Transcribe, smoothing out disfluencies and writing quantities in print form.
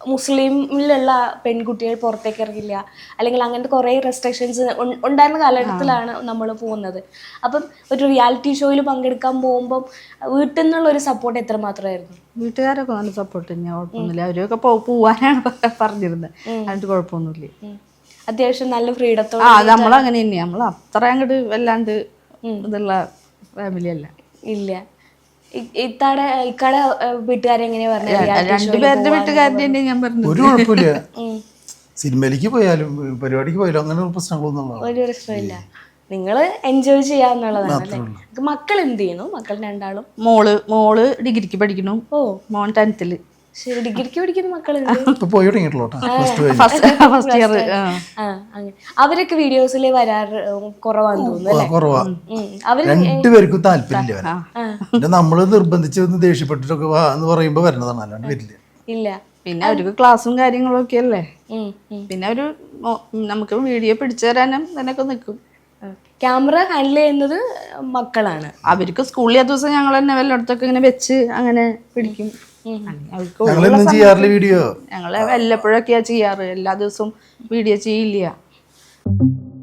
മുസ്ലിമിലുള്ള പെൺകുട്ടികൾ പുറത്തേക്ക് ഇറങ്ങില്ല, അല്ലെങ്കിൽ അങ്ങനത്തെ കുറേ റെസ്ട്രിക്ഷൻസ് ഉണ്ടായിരുന്ന കാലഘട്ടത്തിലാണ് നമ്മൾ പോകുന്നത്. അപ്പം ഒരു റിയാലിറ്റി ഷോയിൽ പങ്കെടുക്കാൻ പോകുമ്പം വീട്ടിൽ നിന്നുള്ള ഒരു സപ്പോർട്ട് എത്രമാത്രമായിരുന്നു? വീട്ടുകാരൊക്കെ നല്ല സപ്പോർട്ട് തന്നെയാണ്, കുഴപ്പമൊന്നുമില്ല. അവരൊക്കെ പോവാനാണ് പറഞ്ഞിരുന്നത്, അതിന്റെ കുഴപ്പമൊന്നുമില്ല. അത്യാവശ്യം നല്ല ഫ്രീഡത്തോടെ. അത് നമ്മളങ്ങനെ തന്നെയാണ്, നമ്മൾ അത്ര അങ്ങോട്ട് വല്ലാണ്ട് ഇതുള്ള ഫാമിലി അല്ല. ഇല്ല. ഇക്കാടെ വീട്ടുകാരെങ്ങനെയാ പറഞ്ഞത്? രണ്ടുപേരുടെ വീട്ടുകാരുടെ തന്നെ ഞാൻ പറഞ്ഞു, ഒരു കുഴപ്പമില്ല. സിനിമയിലേക്ക് പോയാലും പരിപാടിക്ക് പോയാലും അങ്ങനെ ഒരു പ്രശ്നമില്ല. നിങ്ങൾ എൻജോയ് ചെയ്യാന്നുള്ളതാണ്. മക്കൾ എന്ത് ചെയ്യുന്നു? മക്കൾ രണ്ടാളും? മോള് ഡിഗ്രിക്ക് പഠിക്കുന്നു. ഓ, മോൻ 10th. ശരി, ഡിഗ്രിക്ക് പഠിക്കുന്ന മക്കളുണ്ട്. First year. അവരൊക്കെ വീഡിയോസിൽ വരാറ് കുറവാന്ന് തോന്നുന്നു. രണ്ടുപേർക്കും താല്പര്യമില്ല. നമ്മള് നിർബന്ധിച്ച് ദേഷ്യപ്പെട്ടിട്ടൊക്കെ എന്ന് പറയുമ്പോ വരുന്നതാണ്, അല്ലാണ്ട് വരില്ല. ഇല്ല. പിന്നെ അവർക്ക് ക്ലാസ്സും കാര്യങ്ങളും ഒക്കെ അല്ലേ. പിന്നെ ഒരു നമുക്ക് വീഡിയോ പിടിച്ചു തരാനും ഇതിനൊക്കെ നിൽക്കും. ക്യാമറ ഹാൻഡിൽ ചെയ്യുന്നത് മക്കളാണ്. അവർക്ക് സ്കൂളിൽ ആ ദിവസം ഞങ്ങൾ തന്നെ വല്ലയിടത്തൊക്കെ ഇങ്ങനെ വെച്ച് അങ്ങനെ പിടിക്കും. വീഡിയോ ഞങ്ങള് വല്ലപ്പോഴൊക്കെയാ ചെയ്യാറ്, എല്ലാ ദിവസവും വീഡിയോ ചെയ്യില്ല.